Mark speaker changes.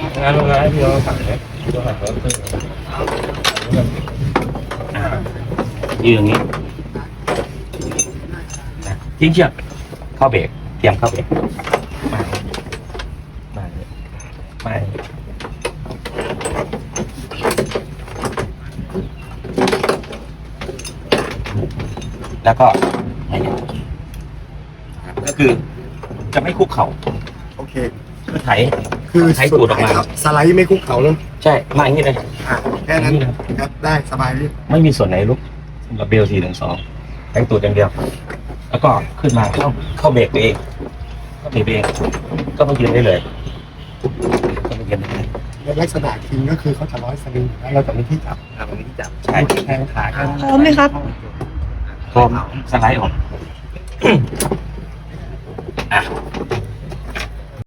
Speaker 1: งานโรงงานพี่เราสั่งเลยเราสั่งรถขึ้นยืนอย่างนี้ทิ้งเชือกเข้าเบรกเตรียมเข้าเบรกไม่แล้วก็ก็คือจะไม่คุกเข่า
Speaker 2: โอเค
Speaker 1: คือไถ
Speaker 2: คือ
Speaker 1: ไถตูดออกมา
Speaker 2: สไลด์ไม่คุกเข่าเลย
Speaker 1: ใช่มาอย่างนี้เลย
Speaker 2: แค่นั้นครับได้สบายพี่
Speaker 1: ไม่มีส่วนไหนลุกสำหรับเบล412แต่งตูดอย่างเดียว แล้วก็ขึ้นมาเข้าเบรกตัวเองเข้าเบรกตัวเองก็มายืนได้เลยก็มายืนได้เลย
Speaker 2: ลักษณะคิงก็คือเขาจะร้อยสลิงแล้วเราจะมีที่จับ
Speaker 3: ตรงนี้จับ
Speaker 1: ใช่
Speaker 2: แทงขากัน
Speaker 4: พร้อมไหมครับ
Speaker 1: พร้อมสไลด์ออกอ่ะ